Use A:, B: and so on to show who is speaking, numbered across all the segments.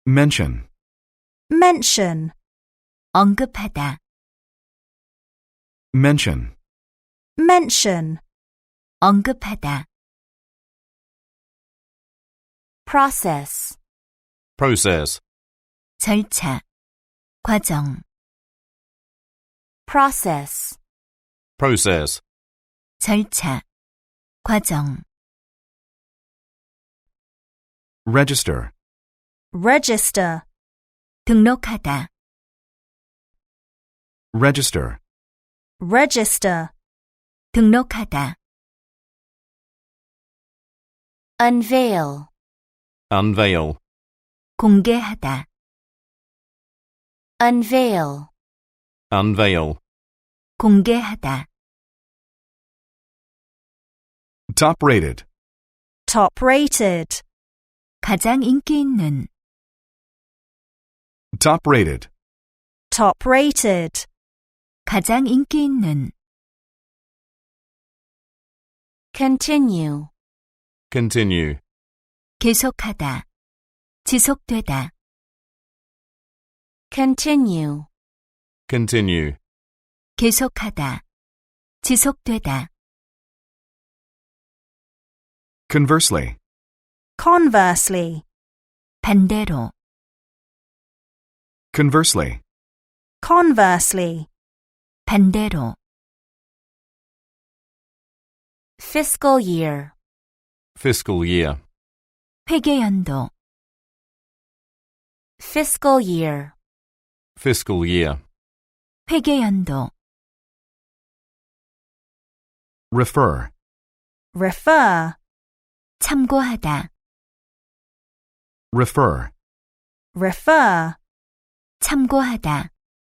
A: mention,
B: mention,
C: 언급하다,
A: mention,
B: mention,
C: 언급하다,
B: process,
D: process,
C: 절차, 과정,
B: process,
D: process,
C: 절차, 과정,
A: register,
B: register,
C: 등록하다,
A: register,
B: register,
C: 등록하다,
B: unveil,
D: unveil,
C: 공개하다,
B: unveil,
D: unveil,
C: 공개하다,
A: top rated,
B: top rated,
C: 가장 인기 있는,
A: top rated,
B: top rated,
C: 가장 인기 있는,
B: continue,
D: continue,
C: 계속하다, 지속되다,
B: continue,
D: continue,
C: 계속하다, 지속되다,
A: conversely,
B: conversely,
C: 반대로,
A: conversely,
B: conversely,
C: 반대로,
B: fiscal year,
D: fiscal year,
C: 회계연도,
B: fiscal year,
D: fiscal year,
C: 회계연도,
A: refer,
B: refer,
C: 참고하다,
A: refer,
B: refer,
C: 참고하다,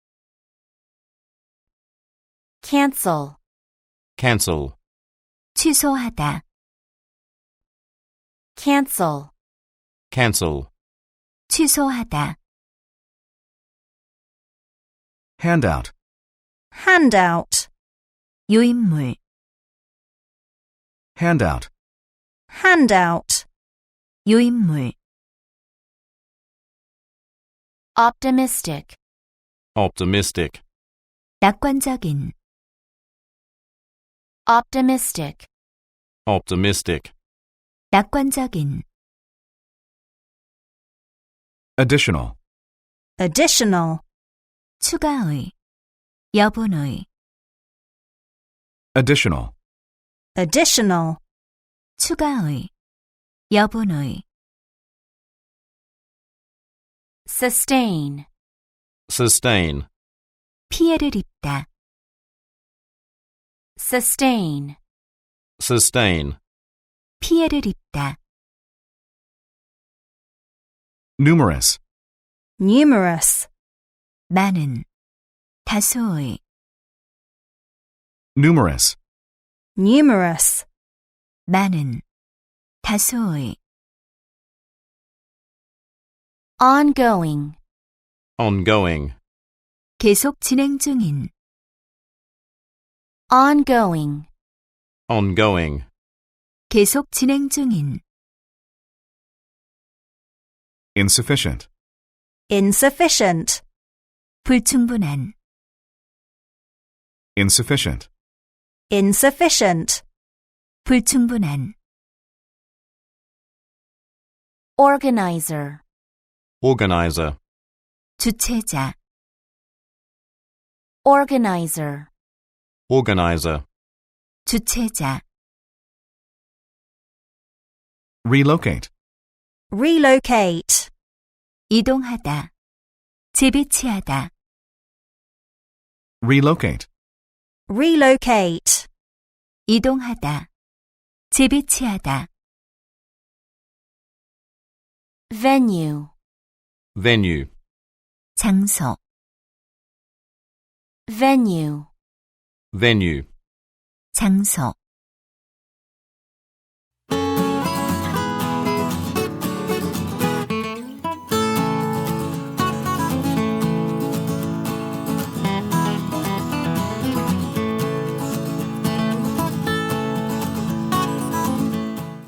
B: cancel,
D: cancel,
C: 취소하다,
B: cancel,
D: cancel,
C: 취소하다,
A: handout,
B: handout,
C: 유인물,
A: handout,
B: handout,
C: 유인물,
B: optimistic,
D: optimistic,
C: 낙관적인,
B: optimistic,
D: optimistic,
C: 낙관적인,
A: additional,
B: additional,
C: 추가의, 여분의,
A: additional,
B: additional,
C: 추가의, 여분의,
B: sustain,
D: sustain,
C: 피해를 입다,
B: sustain,
D: sustain,
C: 피해를 입다,
A: numerous,
B: numerous,
C: 많은, 다수의,
A: numerous,
B: numerous,
C: 많은, 다수의,
B: ongoing,
D: ongoing,
C: 계속 진행 중인,
B: ongoing,
D: ongoing,
C: 계속 진행 중인,
A: insufficient,
B: insufficient,
C: 불충분한,
A: insufficient,
B: insufficient,
C: 불충분한,
B: organizer,
D: organizer,
C: 주체자,
B: organizer,
D: organizer,
C: 주체자,
A: relocate,
B: relocate,
C: 이동하다, 재배치하다,
A: relocate,
B: relocate,
C: 이동하다, 재배치하다,
B: venue,
D: venue,
C: 장소,
B: venue,
D: venue,
C: 장소,